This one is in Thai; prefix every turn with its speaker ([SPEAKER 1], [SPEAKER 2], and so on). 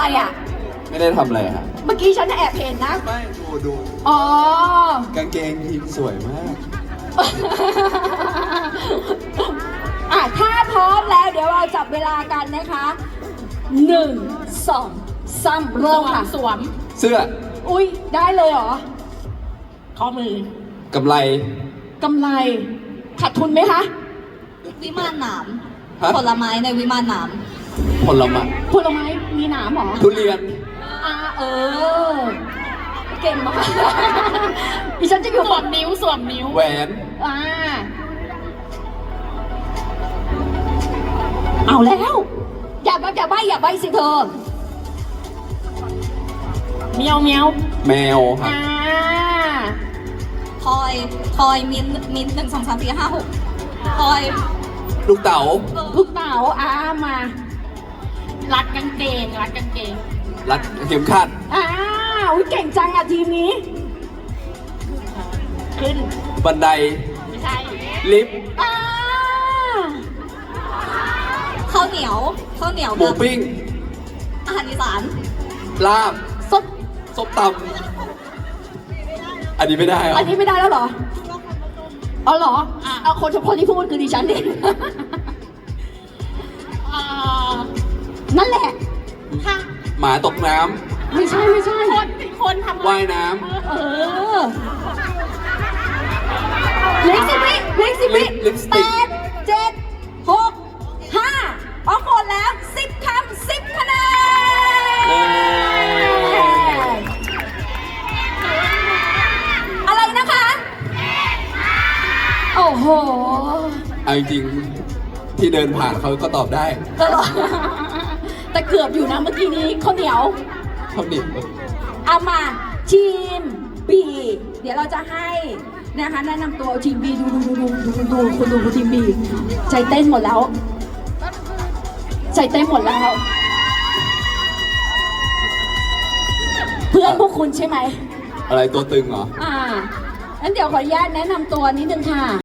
[SPEAKER 1] อ่ะ
[SPEAKER 2] ไม่ได้ทำอะไรครับ
[SPEAKER 1] เมื่อกี้ฉันแอบเห็นนะ
[SPEAKER 2] ไม่ดู
[SPEAKER 1] อ๋อ
[SPEAKER 2] กางเกงทีมสวยมาก
[SPEAKER 1] อ่ะถ้าพร้อมแล้วเดี๋ยวเราจับเวลากันนะคะ1 2 3เริ่มค่ะ
[SPEAKER 3] สวม
[SPEAKER 2] เสื้อ
[SPEAKER 1] อุ้ยได้เลยเหรอ
[SPEAKER 3] ข้อมือก
[SPEAKER 2] ำไร
[SPEAKER 1] กำไรขาดทุนไหมคะ
[SPEAKER 4] วิมานหนาม
[SPEAKER 2] ฮะ
[SPEAKER 4] ผลไม้ในวิมานหนาม
[SPEAKER 2] ผลไม้
[SPEAKER 1] ผลไม้มีหนามเหรอ
[SPEAKER 2] ทุเรียน
[SPEAKER 1] เออ เก่งมาก ดิฉันจะอยู่
[SPEAKER 3] สว
[SPEAKER 1] ฝั่
[SPEAKER 3] ม
[SPEAKER 1] ง
[SPEAKER 3] นิ้วสวมนิ้ว
[SPEAKER 2] แหวน
[SPEAKER 1] อ่าเอาแล้ว อย่าใบสิเธอ
[SPEAKER 3] เมียวเมียว
[SPEAKER 2] แมวครับ
[SPEAKER 4] ทอยมิน1 2 3 4 5 6ทอย
[SPEAKER 2] ลูกเต๋า
[SPEAKER 1] ลูกเต๋ามา
[SPEAKER 3] รัดกางเกงรัดกางเกง
[SPEAKER 2] รัดเข็มขัด
[SPEAKER 1] อุ๊ยเก่งจังอ่ะทีมนี้
[SPEAKER 3] ขึ้น
[SPEAKER 2] บันได
[SPEAKER 3] ไม่ใช่
[SPEAKER 2] ลิฟต์
[SPEAKER 4] ข้าวเหนียว
[SPEAKER 2] หมู
[SPEAKER 4] กับ
[SPEAKER 2] ปิ้ง
[SPEAKER 4] อาหารอีสาน
[SPEAKER 2] ลาบ
[SPEAKER 1] ส้ม
[SPEAKER 2] ส้มตำอันนี้ไม่ได้เหรอ
[SPEAKER 1] อันนี้ไม่ได้แล้วเหรออ๋อเหรอเอาคนที่พูดคือดิฉันเอง
[SPEAKER 3] เอ่อ
[SPEAKER 1] นั่นแหละ
[SPEAKER 3] ถ้า
[SPEAKER 2] หมาตกน้
[SPEAKER 1] ไม่ใช่
[SPEAKER 3] คนทำ
[SPEAKER 2] ำว่ายน้
[SPEAKER 1] เออเหล็กสิบวิ
[SPEAKER 2] ลิปสติก
[SPEAKER 1] 8 7 6 5ออกหมดแล้ว10 คำ 10 คะแน
[SPEAKER 2] ำ
[SPEAKER 1] นอะไรนะคะ โอ้โห
[SPEAKER 2] เอาจริงๆที่เดินผ่านเขาก็ตอบได้
[SPEAKER 1] ตลอดแต่เกือบอยู่นะเมื่อกี้นี้ข้าวเหนียว
[SPEAKER 2] เขาหนิบ
[SPEAKER 1] เอามาทีม B เดี๋ยวเราจะให้นะคะแนะนำตัวทีม B ดูคุณดูทีม B ใจเต้นหมดแล้ว เพื่อนพวกคุณใช่ไหม
[SPEAKER 2] อะไรตัวตึงเหรอ
[SPEAKER 1] งั้นเดี๋ยวขออนุญาตแนะนำตัวนิดนึงค่ะ